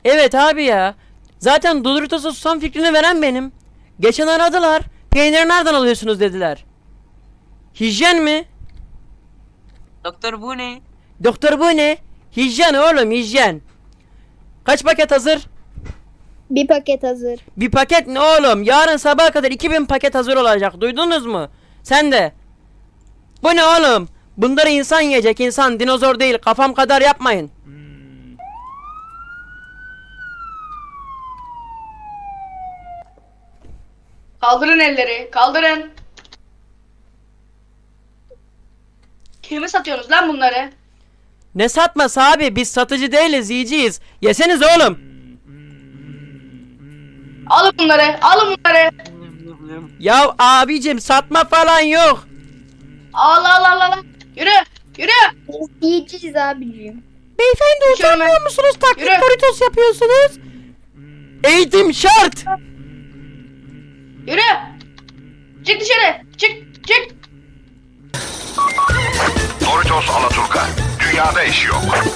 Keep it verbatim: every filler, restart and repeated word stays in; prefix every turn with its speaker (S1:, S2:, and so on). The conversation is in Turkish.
S1: Evet abi ya. Zaten Doritos'a susam fikrini veren benim. Geçen aradılar. Peyniri nereden alıyorsunuz dediler. Hijyen mi?
S2: Doktor bu ne?
S1: Doktor bu ne? Hijyen oğlum, hijyen. Kaç paket hazır?
S3: Bir paket hazır.
S1: Bir paket ne oğlum? Yarın sabaha kadar iki bin paket hazır olacak. Duydunuz mu? Sen de. Bu ne oğlum? Bunları insan yiyecek, insan, dinozor değil. Kafam kadar yapmayın.
S4: Kaldırın elleri. Kaldırın. Kime satıyorsunuz lan bunları?
S1: Ne satması abi? Biz satıcı değiliz, yiyeceğiz. Yeseniz oğlum.
S4: Alın bunları. Alın bunları.
S1: Ya abicim satma falan yok.
S4: Al al al al. Yürü. Yürü.
S3: Biz yiyeceğiz abicim.
S1: Beyefendi
S4: utanmıyor
S1: musunuz? Taklit
S4: Yürü.
S1: Doritos yapıyorsunuz. Eğitim şart.
S4: Yürü. Çık dışarı. Çık. Çık.
S5: Doritos Alaturka. Dünyada eşi yok.